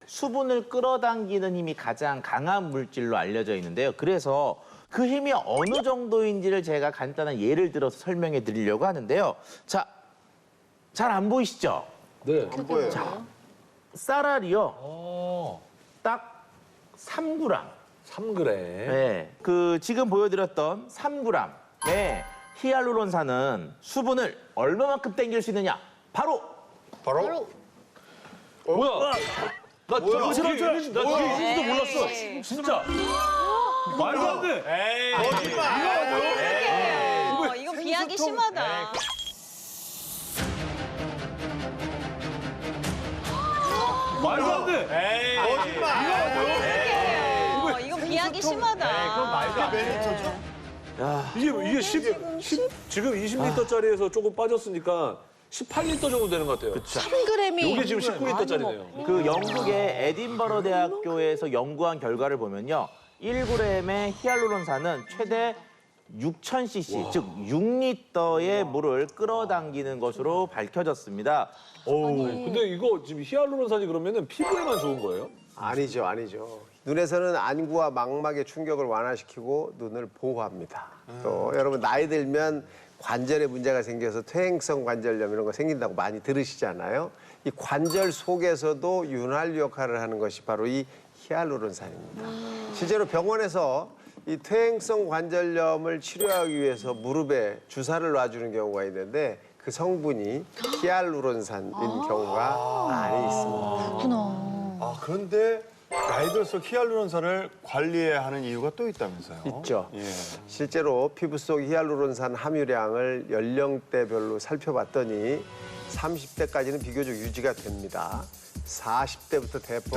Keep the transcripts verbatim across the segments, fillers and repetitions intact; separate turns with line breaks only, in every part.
수분을 끌어당기는 힘이 가장 강한 물질로 알려져 있는데요. 그래서 그 힘이 어느 정도인지를 제가 간단한 예를 들어서 설명해 드리려고 하는데요. 자, 잘 안 보이시죠?
네.
안 보여요.
자, 쌀알이요.
어,
딱 삼 그램.
삼 그램.
네. 그 지금 보여드렸던 삼 그램의 히알루론산은 수분을 얼마만큼 땡길 수 있느냐? 바로
바로?
뭐야? 나
뭐야?
저거 뒤에 있는지 나 뒤에 있는지도 몰랐어.
에이.
진짜. 말도 안 돼.
에이, 거짓말.
어, 이거 비하기 심하다.
말도 안 돼.
에이, 거짓말.
어, 이거 비하기 심하다.
그럼 말도 안 돼.
이게 이게 십, 십 지금 이십 리터짜리에서 조금 빠졌으니까 십팔 리터 정도 되는 것 같아요.
삼 그램이
이게 지금 십구 리터짜리네요.
그 영국의 에딘버러 대학교에서 연구한 결과를 보면요. 일 그램의 히알루론산은 최대 육천 씨씨, 즉 육 리터의 물을 끌어당기는 것으로 밝혀졌습니다.
근데 이거 지금 히알루론산이 그러면은 피부에만 좋은 거예요?
아니죠, 아니죠. 눈에서는 안구와 망막의 충격을 완화시키고 눈을 보호합니다. 또 여러분 나이 들면 관절에 문제가 생겨서 퇴행성 관절염 이런 거 생긴다고 많이 들으시잖아요. 이 관절 속에서도 윤활유 역할을 하는 것이 바로 이 히알루론산입니다. 실제로 병원에서 이 퇴행성 관절염을 치료하기 위해서 무릎에 주사를 놔주는 경우가 있는데 그 성분이 히알루론산인 경우가 많이 있습니다.
아, 그런데 나이 들수록 히알루론산을 관리해야 하는 이유가 또 있다면서요?
있죠.
예.
실제로 피부 속 히알루론산 함유량을 연령대별로 살펴봤더니 삼십 대까지는 비교적 유지가 됩니다. 사십 대부터 대폭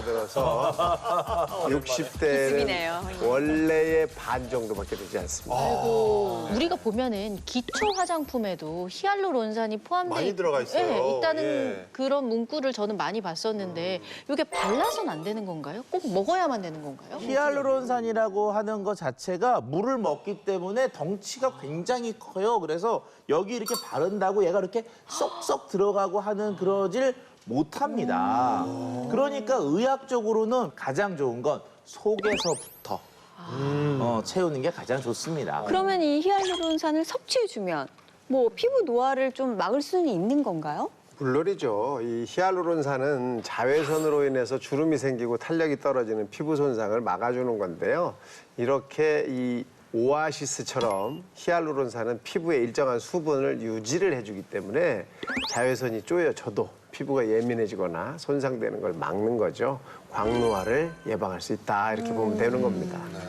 줄어들어서 육십 대는
기습이네요.
원래의 반 정도밖에 되지 않습니다.
그리고 우리가 보면은 기초 화장품에도 히알루론산이 포함돼
많이
있-
들어가 있어요.
네, 있다는
예.
그런 문구를 저는 많이 봤었는데 이게 발라서는 안 되는 건가요? 꼭 먹어야만 되는 건가요?
히알루론산이라고 하는 것 자체가 물을 먹기 때문에 덩치가 굉장히 커요. 그래서 여기 이렇게 바른다고 얘가 이렇게 쏙쏙 들어가고 하는 그러질 못합니다. 그러니까 의학적으로는 가장 좋은 건 속에서부터 어, 채우는 게 가장 좋습니다.
그러면 이 히알루론산을 섭취해주면 뭐 피부 노화를 좀 막을 수는 있는 건가요?
물론이죠. 이 히알루론산은 자외선으로 인해서 주름이 생기고 탄력이 떨어지는 피부 손상을 막아주는 건데요. 이렇게 이 오아시스처럼 히알루론산은 피부에 일정한 수분을 유지를 해주기 때문에 자외선이 쪼여져도 피부가 예민해지거나 손상되는 걸 막는 거죠. 광노화를 예방할 수 있다 이렇게 보면 되는 겁니다.